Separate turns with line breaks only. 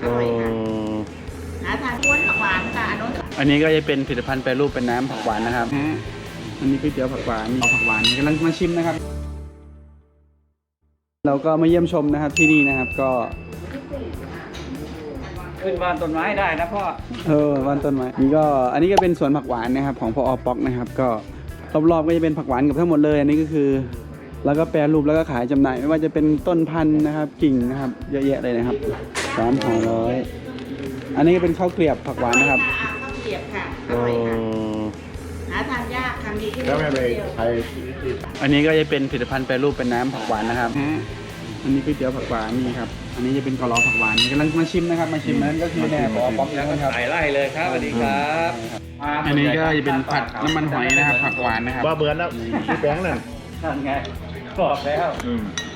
ร่อยค่ะหาทานม้วนผักหวานค่ะอันนี้
ก็จะเป็นผลิตภัณฑ์แปรรูปเป็นน้ำผักหวานนะครับอันนี้ก๋วยเตี๋ยวผักหวานเอาผักหวานกำลังมาชิมนะครับเราก็มาเยี่ยมชมนะครับที่นี่นะครับก็
ขึ้นบ้านต้นไม้ได้นะพ่อ
บ้านต้นไม้นี่ก็อันนี้ก็เป็นสวนผักหวานนะครับของพอ.ป๊อกนะครับก็รอบๆก็จะเป็นผักหวานกับทั้งหมดเลยอันนี้ก็คือแล้วก็แปรรูปแล้วก็ขายจำหน่ายไม่ว่าจะเป็นต้นพันธุ์นะครับกิ่งนะครับเยอะแยะเลยนะครับ300อันนี้ก็เป็นข้าวเกลียบผักหวานนะครับ
ข้าวเกลียบค่ะอร่อยค่ะหาทานยากค่ะมีที่
แล้วไม่ไปใคร
อันนี้ก็จะเป็นผลิตภัณฑ์แปรรูปเป็นน้ำผักหวานนะครับอันนี้ก๋วยเตี๋ยวผักหวานนี่ครับอันนี้จะเป็นกะลอผักหวานกำลังมาชิมนะครับมาชิมนั้นก็คือแน่พอ.ป๊อกนะครับ
ใส่ไล่เลยครับสวัสดีครับ
อันนี้ก็จะเป็นผัดน้ำมันหอยนะครับผักหวานนะครับ
ว่าเบือนแล้วพี่แบงค์นั่น
นั่นไงบอกแล้ว